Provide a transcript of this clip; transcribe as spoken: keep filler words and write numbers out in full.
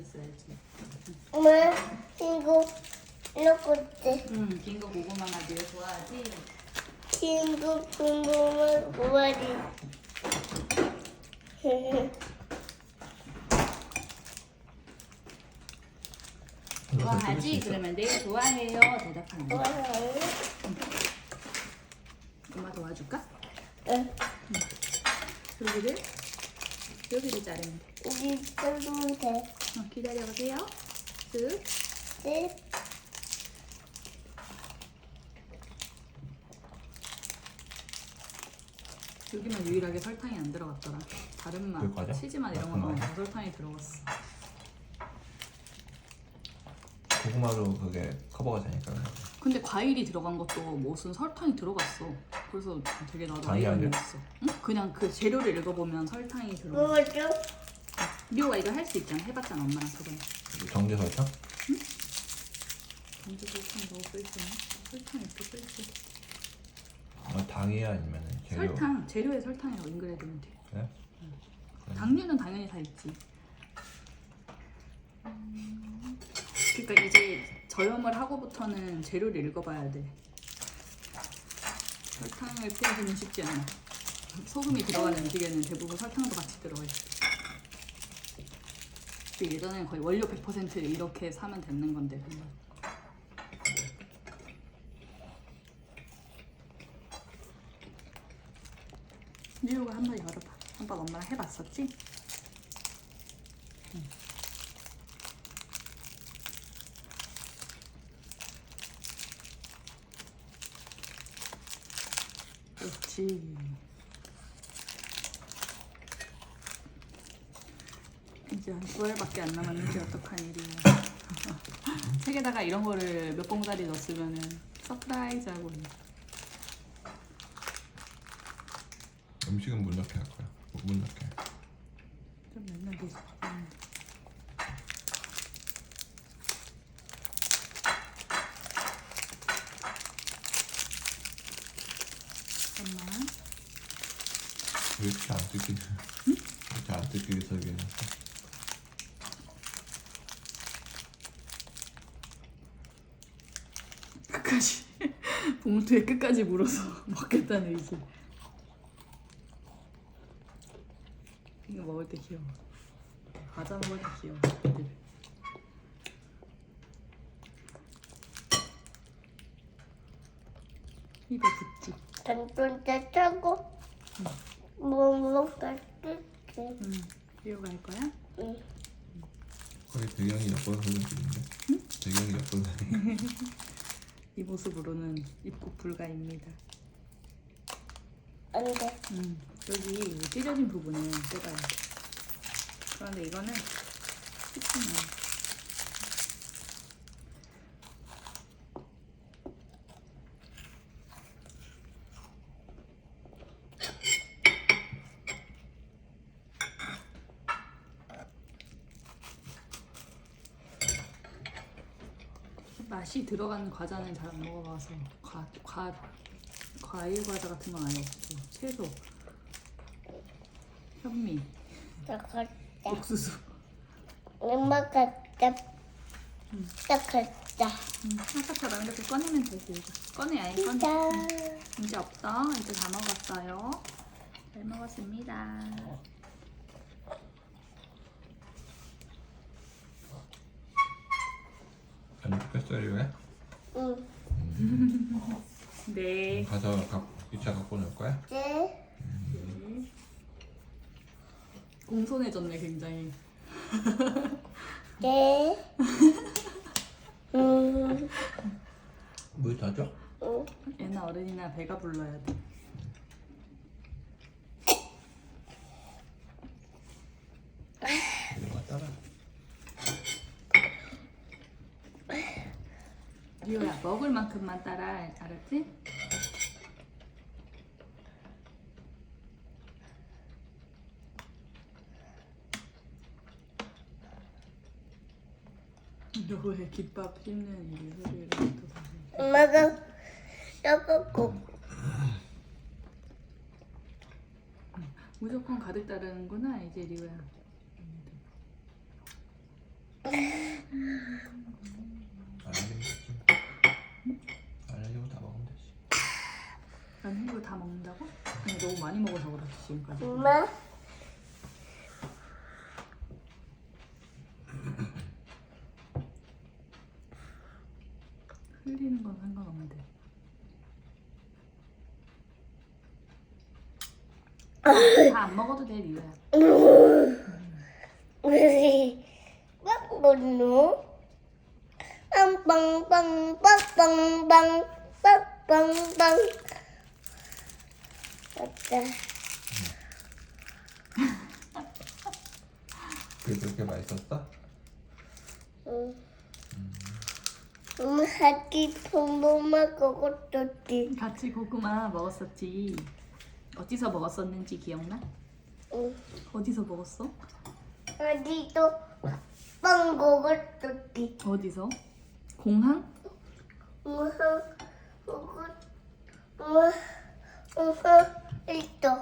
있어야지. 엄마 이거 이렇게 응, 긴 거 고구마가 네가 좋아하지? 친구 궁금한 고마리. 좋아하지? 그러면 네 좋아해요. 대답하는 거. 좋아해. 엄마 도와줄까? 응. 여기를 여기를 자르면 돼. 우리 자르면 돼. 어, 기다려보세요. 쓱. 네. 여기만 유일하게 설탕이 안 들어갔더라. 다른 맛, 여기까지야? 치즈맛 이런 같은 건 맛이야? 다 설탕이 들어갔어. 고구마로 그게 커버가 되니까. 근데 과일이 들어간 것도 무슨 설탕이 들어갔어. 그래서 되게 나도 당이 아이가 아니야? 있어. 응? 그냥 그 재료를 읽어보면 설탕이 들어가. 뭐죠? 리오가 이거 할 수 있잖아. 해봤잖아 엄마랑 그거. 정제 설탕? 언제 설탕 넣어 쓸지? 설탕 이렇게 쓸지. 아, 당이야 아니면 재료? 설탕 재료에 설탕이라고 인글해두면 돼. 그래? 당류는 당연히 다 있지. 그러니까 이제 저염을 하고부터는 재료를 읽어봐야 돼. 설탕을 피하기는 쉽지 않아. 소금이 들어가는 음식에는 대부분 설탕도 같이 들어가 있어. 근데 예전에는 거의 원료 백 퍼센트 이렇게 사면 되는 건데 정말. 리오가 한번 열어봐. 한번 엄마랑 해봤었지? 응. 그렇지. 이제 한 두 알밖에 안 남았는데 어떡한 일이야. 책에다가 이런 거를 몇 봉다리 넣었으면은 서프라이즈 하고. 음식은 못 넣게 할 거야. 못 넣게. 좀 맨날 되지. 응. 잠깐만. 왜 이렇게 안 뜯기냐? 응? 이렇게 안 뜯기게 설계해놨어. 끝까지 봉투에 끝까지 물어서 먹겠다는 의지. 이거 먹을 때 귀여워. 과자 먹을 때 귀여워. 애들. 입에 붙지. 단돈 때 차고 뭐 먹을게. 응. 리오가 할 거야? 응. 거의 배경이 엿보는 사진인데? 응? 배경이 엿보는 사진. 이 모습으로는 입국 불가입니다. 안 돼. 음, 여기 찢어진 부분을 뜯어야 돼. 그런데 이거는 쉽지는 않아. 맛이 들어가는 과자는 잘 안 먹어봐서 과, 과, 과일 과자 같은 건 아예 없고 채소, 현미, 나갔다. 옥수수. 엄마 갔다. 나갔다. 음, 아까처럼 이렇게 꺼내면 되지. 이거. 꺼내 아예 꺼내. 짠. 음, 이제 없어. 이제 다 먹었어요. 잘 먹었습니다. 안 뜯겼어요 왜? 응. 네. 가서 이 차 갖고 놀 거야? 네. 공손해졌네 굉장히. 네. 음. 물 더 줘? 응. 얘는 어른이나 배가 불러야 돼. 이거 따라. 리오야 먹을 만큼만 따라. 알았지? 너 왜 김밥 씹는 이 소리를 또 다시. 엄마가 나갔고. 무조건 가득 따르는구나 이제 리오야. 안 흘리면 되지. 안 흘리면 다 먹으면 되지. 난 이거 다 먹는다고? 아니 너무 많이 먹어서 그렇지 지금까지. 엄마. 흘리는 건 상관없는데. 다 안 먹어도 돼 리우야. 빵빵노 빵빵빵 빵빵빵 빵빵빵. 맞다. 그게 그렇게 맛있었어? 응. 엄마 하기 봄봄아 먹었었지. 같이 고구마 먹었었지. 어디서 먹었었는지 기억나? 응. 어디서 먹었어? 어디도 빵 먹었었지. 어디서? 공항? 우와, 우와, 우와, 우와, 있어.